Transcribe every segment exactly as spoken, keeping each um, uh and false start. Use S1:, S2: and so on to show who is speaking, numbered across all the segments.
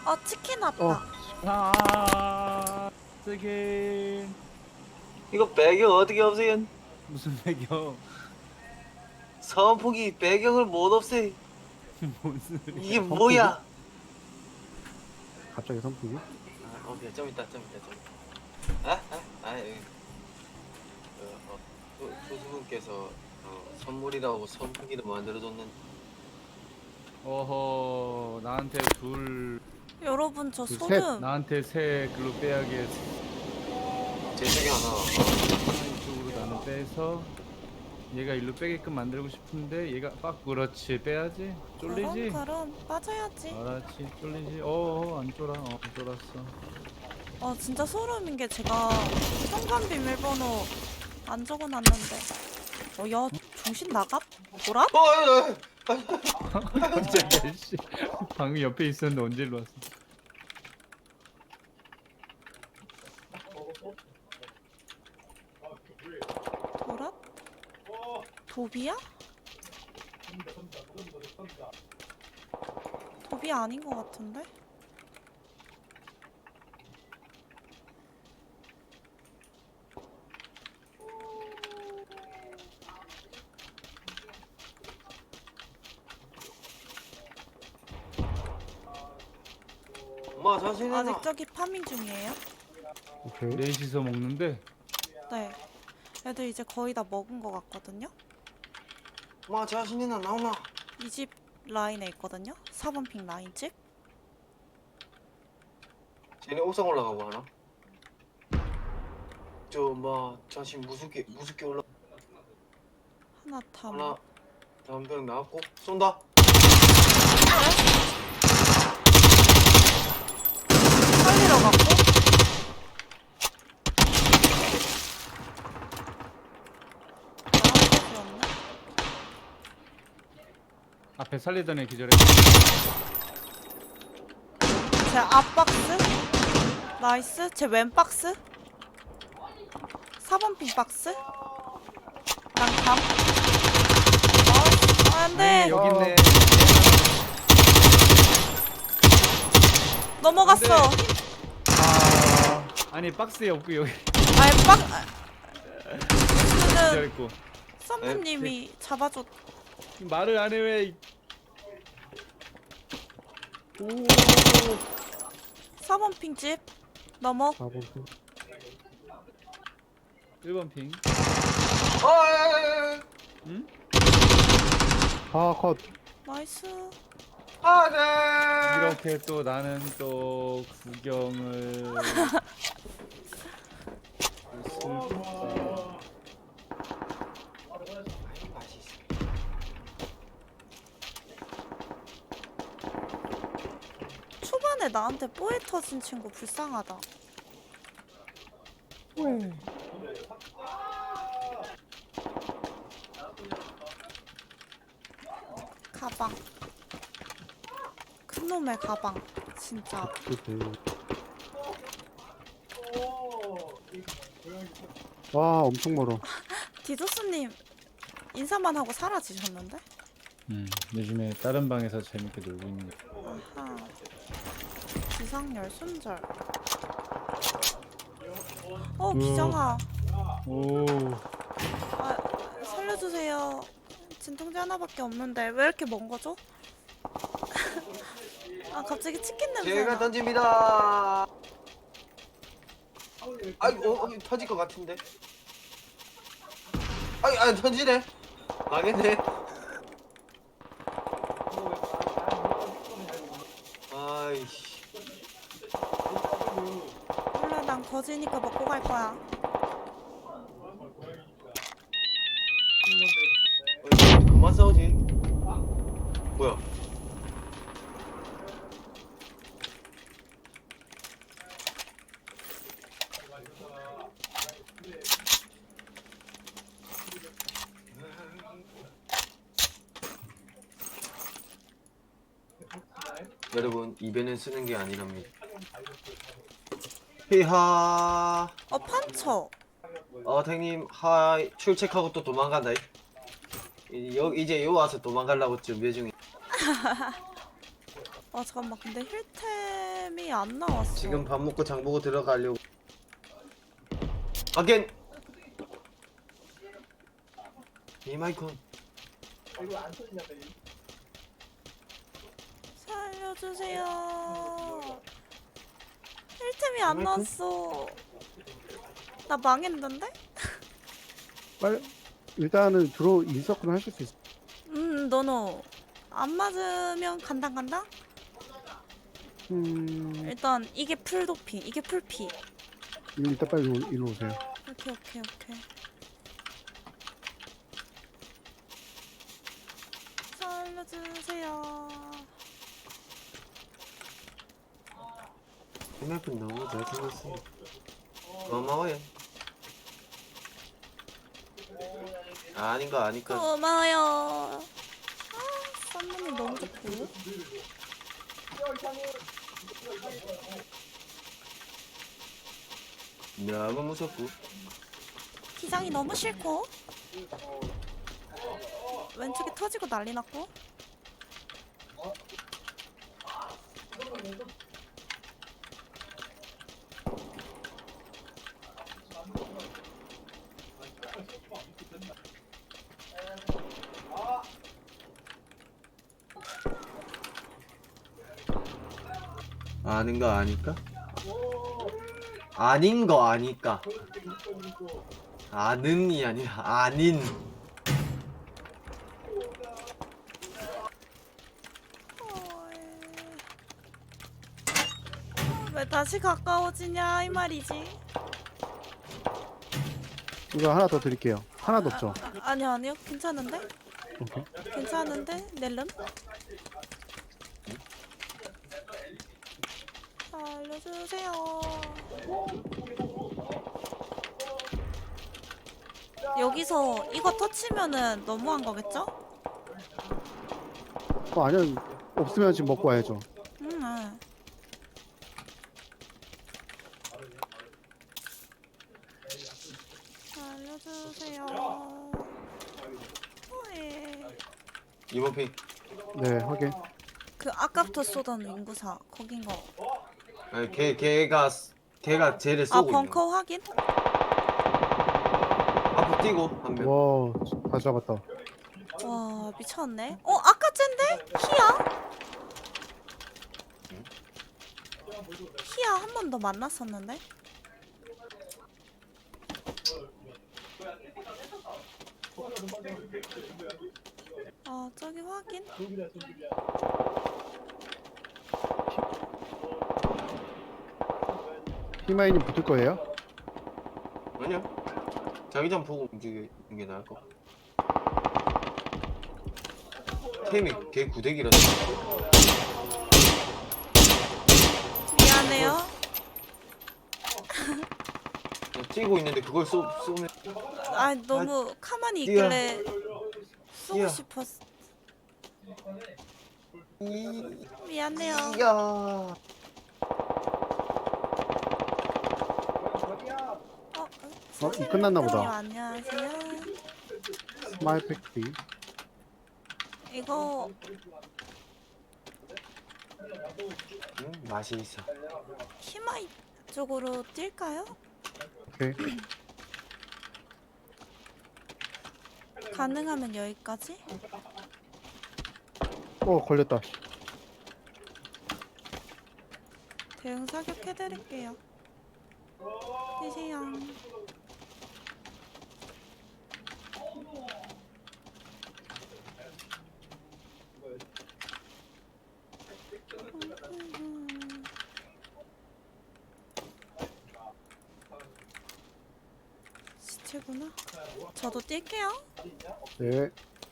S1: 어 치킨 왔다.
S2: 어.
S3: 아, 쓰긴
S4: 이거 배경 어떻게 없애요?
S3: 무슨 배경?
S4: 선풍기 배경을 못 없애.
S3: 뭔 소리야?
S4: 이게 뭐야?
S2: 갑자기 선풍기?
S4: 아, 오케이 좀 있다 좀 있다 좀 있다. 아? 아? 아, 예. 어, 어, 조, 조수분께서 어, 선물이라고 선풍기도 만들어줬는데
S3: 어허, 나한테 둘,
S1: 여러분 저
S2: 그 셋.
S1: 소름.
S3: 나한테 세 글로 빼야게
S4: 제 중에 하나
S3: 이쪽으로 나는 빼서 얘가 일로 빼게끔 만들고 싶은데 얘가 빡 그렇지 빼야지. 쫄리지?
S1: 그럼 그럼 빠져야지.
S3: 알았지, 쫄리지. 어어, 안 쫄아. 어, 쫄았어.
S1: 어 진짜 소름인 게 제가 현관 비밀번호 안 적어놨는데. 어야 정신 나갑? 뭐라?
S4: 어, 어, 어.
S3: 깜짝이야, 씨. 방금 옆에 있었는데 언제 일로 왔어?
S1: 도랍? 도비야? 도비 아닌 것 같은데?
S4: 엄마 자신있나?
S1: 아직 저기 파밍 중이에요?
S2: 오케이.
S3: 넷이서 먹는데
S1: 네. 애들 이제 거의 다 먹은 것 같거든요?
S4: 엄마 자신있나 나오나?
S1: 이 집 라인에 있거든요? 사 번 핑 라인 집?
S4: 쟤네 옥상 올라가고 하나? 저 엄마 자신 무섭게 무섭게 올라
S1: 하나 탐.
S4: 하나 담벼락 나왔고 쏜다.
S1: 살리러 갔고? 나한테였네?
S3: 앞에 살리던 애 기절해.
S1: 제 앞박스? 나이스. 제 왼박스? 사 번 핑 박스? 난 감. 나이스. 안 돼.
S3: 여기 있네.
S1: 넘어갔어.
S3: 아, 아니 박스에 없고 여기
S1: 아니, 박. 이거는
S3: 기절했고.
S1: 썸님이 잡아줬.
S3: 말을 안 해 왜? 오.
S1: 사 번 핑 집. 넘어.
S2: 사 번 핑.
S3: 일 번 핑.
S4: 어, 야, 야, 야.
S3: 응?
S2: 아, 컷.
S1: 나이스.
S4: 아, 네.
S3: 이렇게 또 나는 또 구경을 했을까?
S4: 맛있어.
S1: 초반에 나한테 뽀에 터진 친구 불쌍하다.
S2: 왜?
S1: 가방. 큰 놈의 가방. 진짜.
S2: 그치. 와, 엄청 멀어.
S1: 디도스님 인사만 하고 사라지셨는데?
S3: 음, 요즘에 다른 방에서 재밌게 놀고 있는.
S1: 아하. 기상열 순절. 어 기정아.
S3: 오,
S1: 아 살려주세요. 진통제 하나밖에 없는데 왜 이렇게 먼 거죠? 아 갑자기 치킨 냄새
S4: 제가
S1: 나.
S4: 던집니다. 아이고, 어, 어, 터질 것 같은데. 아이, 아, 던지네. 망했네. 아이씨.
S1: 몰라 난 거지니까 먹고 갈 거야.
S4: 어, 그만 싸우지. 뭐야? 여러분 입에는 쓰는 게 아니랍니다. 히하.
S1: 어 판처.
S4: 어 탱님 하이 출첵하고 또 도망간다. 이- 여, 이제 요 와서 도망가려고 준비 중이.
S1: 아 잠깐만 근데 힐템 힐템이 안 나왔어.
S4: 지금 밥 먹고 장 보고 들어가려고. 아겐. 이마이콘.
S1: 살려주세요. 힐템이 안
S4: 아이고.
S1: 나왔어. 나 망했는데?
S2: 빨리 일단은 들어 인서클 하실 수 있어.
S1: 음, 너너 안 맞으면 간당 간당?
S2: 음,
S1: 일단 이게 풀 도피, 이게 풀피.
S2: 일단 빨리 이리 이리 오세요.
S1: 오케이, 오케이, 오케이. 살려주세요.
S4: 이마이콘 너무 잘생겼어. 고마워요. 아닌 거 아니까.
S1: 고마워요. 아, 썸머니 너무 좋고.
S4: 너무 무섭고.
S1: 기장이 너무 싫고. 왼쪽에 터지고 난리 났고.
S4: 아는 거 아니까? 아닌 거 아니까. 아는이 아니라 아닌.
S1: 왜 다시 가까워지냐 이 말이지.
S2: 이거 하나 더 드릴게요. 하나도 없죠?
S1: 아, 아니요 아니요 괜찮은데?
S2: 오케이.
S1: 괜찮은데? 넬름? 알려주세요. 여기서 이거 터치면은 너무한 거겠죠?
S2: 어, 아니요. 없으면 지금 먹고 와야죠.
S1: 음, 아. 알려주세요. 예.
S4: 이번 픽.
S2: 네, 확인.
S1: 그 아까부터 쏘던 인구사 거긴 거.
S4: 아니 걔 걔가 걔가 쟤를
S1: 아
S4: 쏘고 있는 거.
S1: 벙커 확인?
S4: 앞으로 뛰고 한 명.
S2: 와, 다 잡았다.
S1: 와 미쳤네. 어 아까 쨘데? 히야? 히야 한 번 더 만났었는데? 아 저기 확인?
S2: 히마이님 붙을 거예요?
S4: 아니야. 자기장 보고 움직이는 게 나을 거. 템이 걔 구대기라서.
S1: 미안해요.
S4: 뛰고 있는데 그걸 쏘 쏘면.
S1: 아 너무 가만히
S4: 뛰어.
S1: 있길래 쏘고
S4: 뛰어.
S1: 싶었어.
S4: 이.
S1: 미안해요.
S4: 야.
S1: 어,
S2: 어, 이 끝났나 보다.
S1: 안녕하세요.
S2: 스마일 팩트리.
S1: 이거
S4: 음, 맛이 있어.
S1: 히마이 쪽으로 뛸까요?
S2: 오케이.
S1: 가능하면 여기까지?
S2: 어, 걸렸다.
S1: 대응 사격해드릴게요. 뛰세요. 시체구나. 저도 뛸게요.
S2: 네.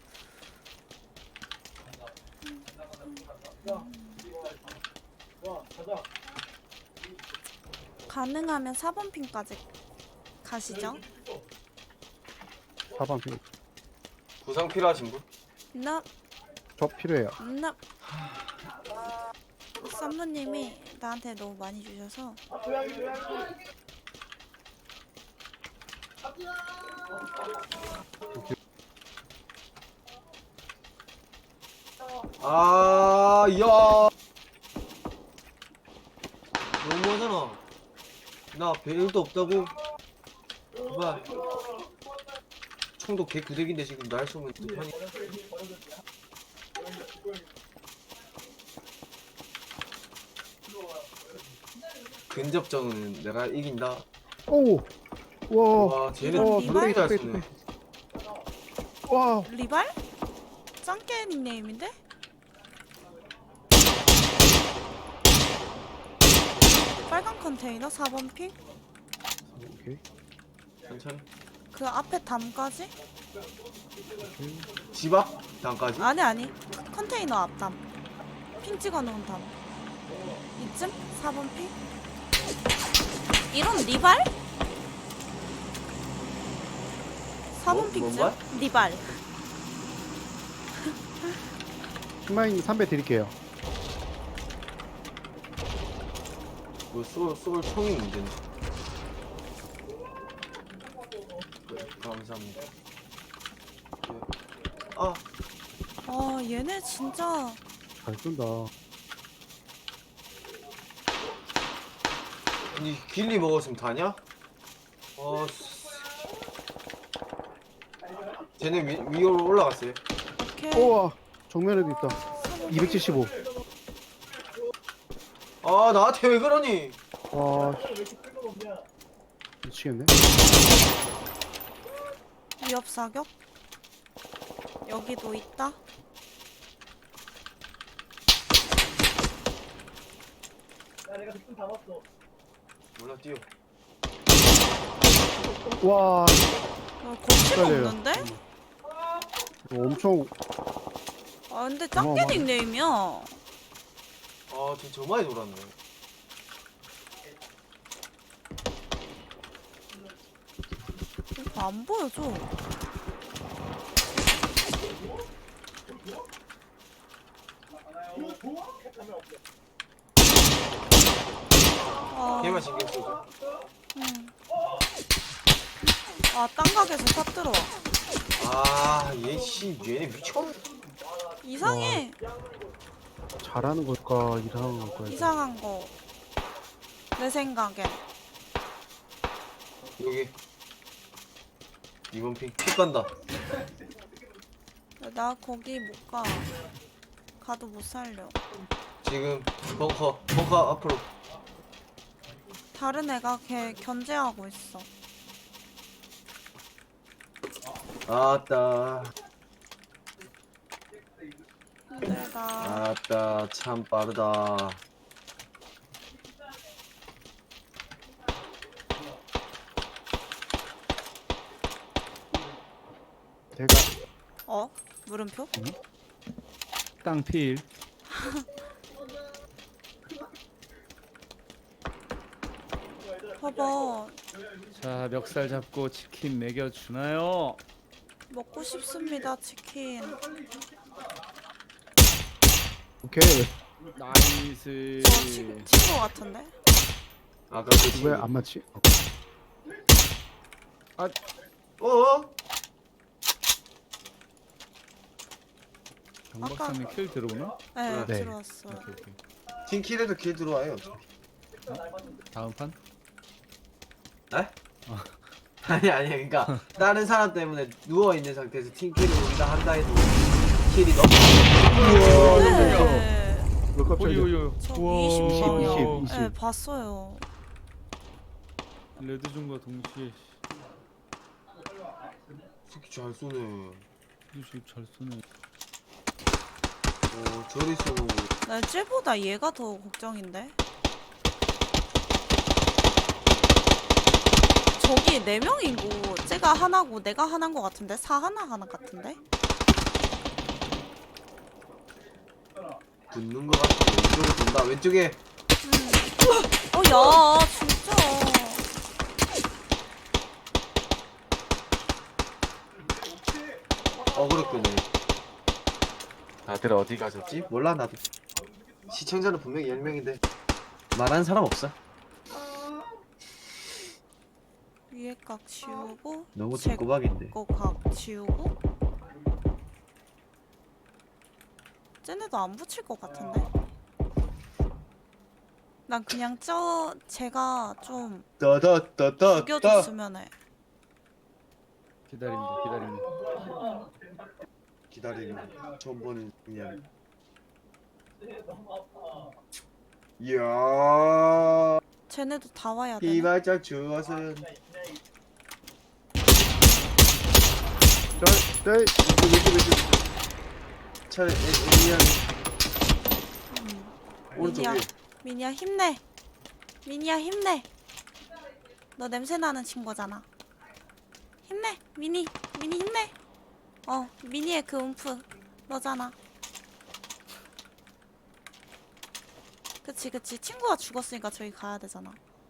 S1: 가능하면 사 번 핀까지 가시죠.
S2: 사 번 핑.
S4: 구상 필요하신 분?
S1: 나,
S2: 저 필요해요.
S1: 나. 썸무님이 나한테 너무 많이 주셔서.
S4: 아, 야. 나 배율도 없다고. 봐. 총도 개 구대기인데 지금 날 쏘면 어떡하니? 근접전은 내가 이긴다.
S2: 오! 와,
S4: 와, 쟤는
S2: 와,
S4: 굉장히 잘
S2: 빼,
S4: 쏘네.
S2: 빼. 와,
S1: 리발? 짱깨 닉네임인데? 빨간 컨테이너 사 번 핑?
S2: 오케이.
S4: 천천히.
S1: 그 앞에 담까지?
S4: 집 앞? 단까지?
S1: 아니 아니 컨테이너 앞담 핑 찍어놓은 담 이쯤? 사 번 핑? 이런 리발? 사 번
S4: 뭐-
S1: 핑쯤?
S4: 뭔가?
S1: 리발
S2: 신마인 삼 배 드릴게요.
S4: 뭐 쏠, 쏠 총이 문제네. 네, 감사합니다. 네. 아,
S1: 아 얘네 진짜
S2: 잘 쏜다.
S4: 니 길리 먹었으면 다냐? 아, 씨. 쟤네 위, 위로 올라갔어요.
S1: 오케이
S2: 우와, 정면에도 있다. 이백칠십오.
S4: 아, 나한테 왜 그러니?
S2: 와, 미치겠네.
S1: 위협 사격 여기도 있다
S4: 몰라, 뛰어.
S2: 와,
S1: 어, 거침
S2: 헷갈려요.
S1: 없는데?
S2: 이거 엄청
S1: 아 근데 짱깨
S2: 어마어마하네.
S1: 닉네임이야
S4: 아, 진짜 저 많이 돌았네.
S1: 이거 안 보여줘 아,
S4: 걔만 신경 쓰고.
S1: 응. 아, 땅 가게에서 탑 들어와.
S4: 아, 얘 씨, 얘네 미쳤네.
S1: 이상해.
S2: 잘하는 걸까, 이상한 걸까.
S1: 이상한 거. 내 생각엔.
S4: 여기. 이번 핑, 픽 간다.
S1: 나 거기 못 가. 가도 못 살려.
S4: 지금, 벙커, 벙커 앞으로.
S1: 다른 애가 걔 견제하고 있어.
S4: 아따,
S1: 힘들다.
S4: 아따, 참 빠르다.
S2: 제가
S1: 어? 물음표?
S3: 땅필.
S1: 봐봐.
S3: 자, 멱살 잡고 치킨 먹여 주나요?
S1: 먹고 싶습니다, 치킨.
S2: 오케이.
S3: 나이스.
S1: 저 친, 친구 같은데?
S4: 아까 그 친구.
S2: 왜 안 맞지?
S4: 어?
S3: 정 박사님 킬 들어오나?
S1: 네,
S2: 네.
S1: 들어왔어요.
S3: 오케이 오케이.
S4: 팀킬에도 킬 들어와요.
S3: 다음 판?
S4: 에? 아니 아니 그러니까 다른 사람 때문에 누워 있는 상태에서 팀킬을 우리가 한다 해도 킬이 너무.
S2: 우와,
S1: 네.
S2: 왜 깜짝이야.
S3: 오요요.
S1: 저
S3: 우와.
S1: 이십 번이요.
S2: 이십, 이십.
S1: 네, 봤어요.
S3: 레드존과 동시에
S4: 새끼 잘 쏘네.
S3: 씨, 잘 쏘네.
S4: 오 저리 쏘고.
S1: 나 쟤보다 얘가 더 걱정인데? 저기 네 명이고 쟤가 하나고 내가 하나인 것 같은데? 사 하나 하나 같은데?
S4: 붙는 거 같아. 왼쪽으로 돈다. 왼쪽에.
S1: 어, 야, 진짜.
S4: 어그로 끄네. 다들 어디 가셨지? 몰라 나도. 시청자는 분명히 열 명인데 말하는 사람 없어.
S1: 위에 각 지우고
S4: 너무
S1: 제
S4: 뒷꼬박인데.
S1: 거 각 지우고 쟤네도 안 붙일 것 같은데? 난 그냥 저 제가 좀
S2: 따다따따따.
S1: 죽여줬으면 해.
S3: 기다립니다. 기다립니다.
S5: 기다리면 처음 보는 중이야. 이야,
S1: 쟤네도 다 와야 되네.
S5: 피발짝 주었은
S2: 저, 네, 왼쪽, 왼쪽, 왼쪽.
S5: 차라리 애니한
S1: 음.
S5: 오른쪽
S1: 미니야,
S5: 위에.
S1: 미니야 힘내. 미니야 힘내. 너 냄새 나는 친구잖아. 힘내, 미니, 미니 힘내. 어, 미니의 그 움프 너잖아. 그치, 그치. 친구가 죽었으니까 저기 가야 되잖아.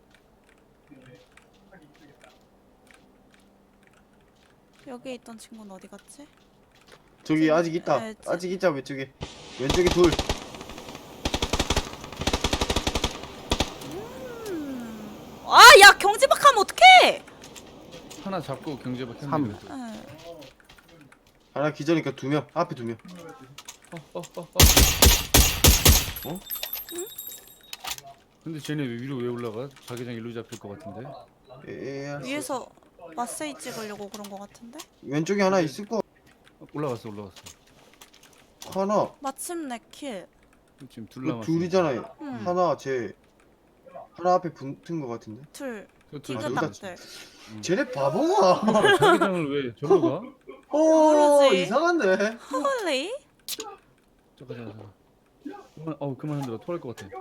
S1: 여기 있던 친구는 어디 갔지?
S5: 저기 아직 있다.
S1: 네, 저-
S5: 아직 있자 왼쪽에. 왼쪽에 둘.
S1: 음. 아, 야 경지박하면 어떡해?
S3: 하나 잡고 경제박
S2: 삼.
S3: 했는데.
S1: 응.
S5: 하나 기절이니까 두 명. 앞에 두 명.
S3: 어, 어, 어, 어.
S5: 어?
S3: 근데 쟤네 왜 위로 왜 올라가? 자기장 일로 잡힐 것 같은데.
S5: 에,
S1: 위에서 마세이 찍으려고 그런 거 같은데?
S5: 왼쪽에 하나 있을 거.
S3: 어, 올라갔어, 올라갔어.
S5: 하나.
S1: 마침내 킬.
S3: 지금 둘
S5: 그
S3: 남았어.
S5: 둘이잖아요.
S1: 응.
S5: 하나 제 하나 앞에 붙은 거 같은데.
S1: 둘.
S3: 저 둘,
S5: 여기다
S1: 디그닥들.
S5: 쟤네 바보가.
S3: 자기장을 왜 저기로 가?
S5: 어,
S1: 모르지.
S5: 이상한데.
S1: 홀리?
S3: 잠깐, 잠깐, 잠깐. 그만, 어, 그만 흔들어. 토할 것 같아.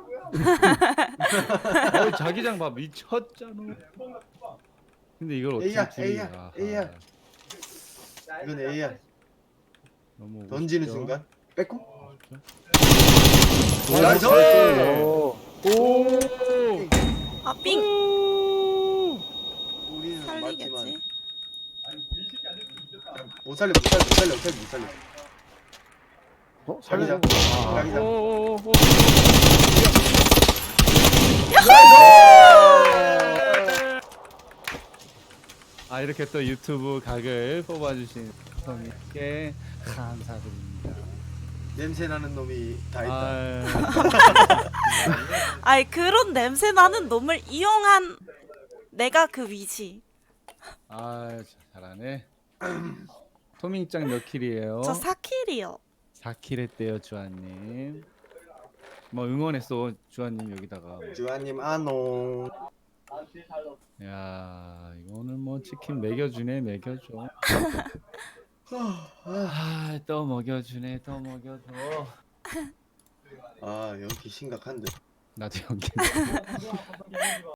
S3: 어, 자기장 봐, 미쳤잖아. 근데 이걸 어떻게
S5: A야,
S3: 둘이-
S5: A야,
S3: 아하,
S5: A야. 이건 A야.
S3: 너무
S5: 던지는
S3: 멋있죠?
S5: 순간. 뺏고.
S3: 오,
S5: 나이스!
S2: 오,
S3: 오!
S1: 아, 삥!
S5: 우리는
S1: 살리겠지?
S5: 맞지만 못 살려 못 살려 못 살려 못 살려 못 살려.
S2: 어,
S5: 자기장.
S2: 살리자. 아,
S5: 자기장.
S3: 오오오. 아 이렇게 또 유튜브 각을 뽑아주신 성님께 감사드립니다.
S5: 냄새 나는 놈이 다 했다.
S3: 아,
S1: 아이, 그런 냄새 나는 놈을 이용한 내가 그 위지.
S3: 아 잘하네. 토밍짱 몇 킬이에요?
S1: 저 사 킬이요.
S3: 사 킬 했대요 주한님. 뭐 응원했어 주한님 여기다가.
S5: 주아님 아노.
S3: 야 이거는 뭐 치킨 먹여주네 먹여줘. 아또 먹여주네 또 먹여줘.
S5: 아 여기 심각한데.
S3: 나도 연기.